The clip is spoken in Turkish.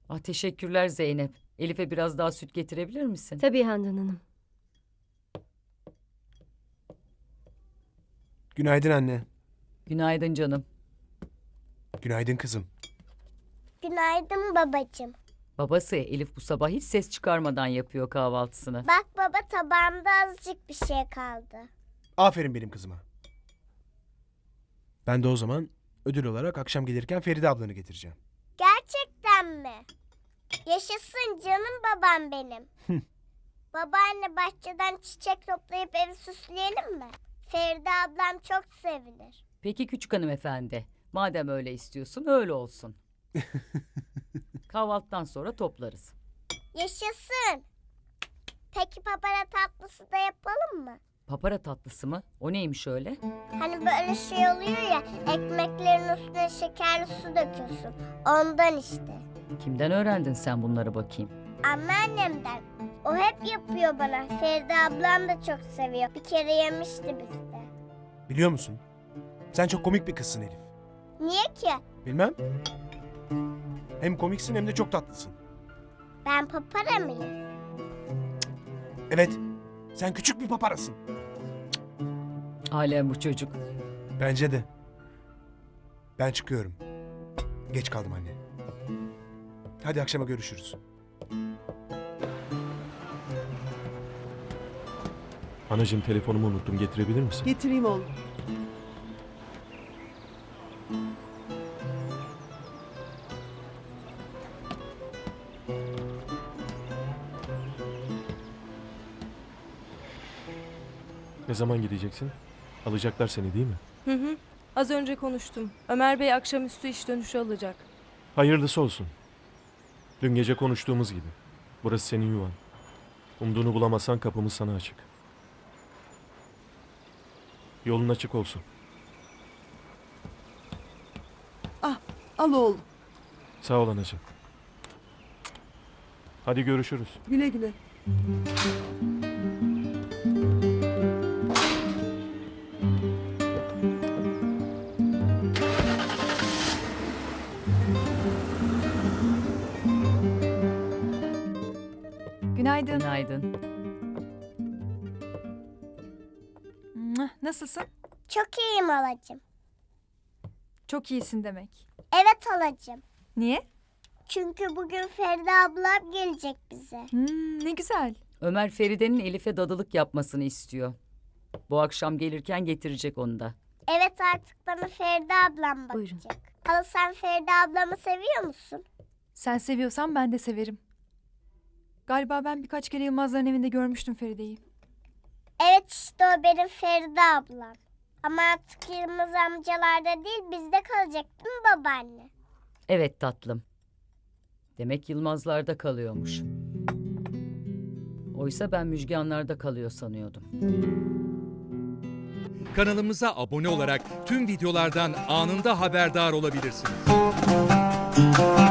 Ah, teşekkürler Zeynep. Elif'e biraz daha süt getirebilir misin? Tabii Handan Hanım. Günaydın anne. Günaydın canım. Günaydın kızım. Günaydın babacığım. Babası Elif bu sabah hiç ses çıkarmadan yapıyor kahvaltısını. Bak baba, tabağımda azıcık bir şey kaldı. Aferin benim kızıma. Ben de o zaman ödül olarak akşam gelirken Feride ablanı getireceğim. Gerçekten mi? Yaşasın canım babam benim. Babaanne, bahçeden çiçek toplayıp evi süsleyelim mi? Feride ablam çok sevinir. Peki küçük hanımefendi. Madem öyle istiyorsun öyle olsun. Kahvaltıdan sonra toplarız. Yaşasın. Peki papara tatlısı da yapalım mı? Papara tatlısı mı? O neymiş öyle? Hani böyle şey oluyor ya, ekmeklerin üstüne şekerli su döküyorsun. Ondan işte. Kimden öğrendin sen bunları bakayım? Anneannemden. O hep yapıyor bana. Feride ablam da çok seviyor. Bir kere yemişti bizde. Biliyor musun? Sen çok komik bir kızsın Elif. Niye ki? Bilmem. Hem komiksin hem de çok tatlısın. Ben papara mıyım? Evet. Sen küçük bir paparasın. Alem bu çocuk. Bence de. Ben çıkıyorum. Geç kaldım anne. Hadi akşama görüşürüz. Anacığım telefonumu unuttum. Getirebilir misin? Getireyim oğlum. Ne zaman gideceksin? Alacaklar seni değil mi? Hı hı. Az önce konuştum. Ömer Bey akşamüstü iş dönüşü alacak. Hayırlısı olsun. Dün gece konuştuğumuz gibi. Burası senin yuvan. Umduğunu bulamazsan kapımız sana açık. Yolun açık olsun. Al oğlum. Sağ ol anacığım. Hadi görüşürüz. Güle güle. Günaydın. Günaydın. Nasılsın? Çok iyiyim halacığım. Çok iyisin demek. Evet halacığım. Niye? Çünkü bugün Feride ablam gelecek bize. Ne güzel. Ömer Feride'nin Elif'e dadılık yapmasını istiyor. Bu akşam gelirken getirecek onu da. Evet, artık bana Feride ablam bakacak. Buyurun. Hala, sen Feride ablamı seviyor musun? Sen seviyorsan ben de severim. Galiba ben birkaç kere Yılmazların evinde görmüştüm Feride'yi. Evet, işte o benim Feride ablam. Ama artık Yılmaz amcalarda değil, bizde kalacak değil mi babaanne? Evet tatlım. Demek Yılmazlar'da kalıyormuş. Oysa ben Müjganlar'da kalıyor sanıyordum. Kanalımıza abone olarak tüm videolardan anında haberdar olabilirsiniz.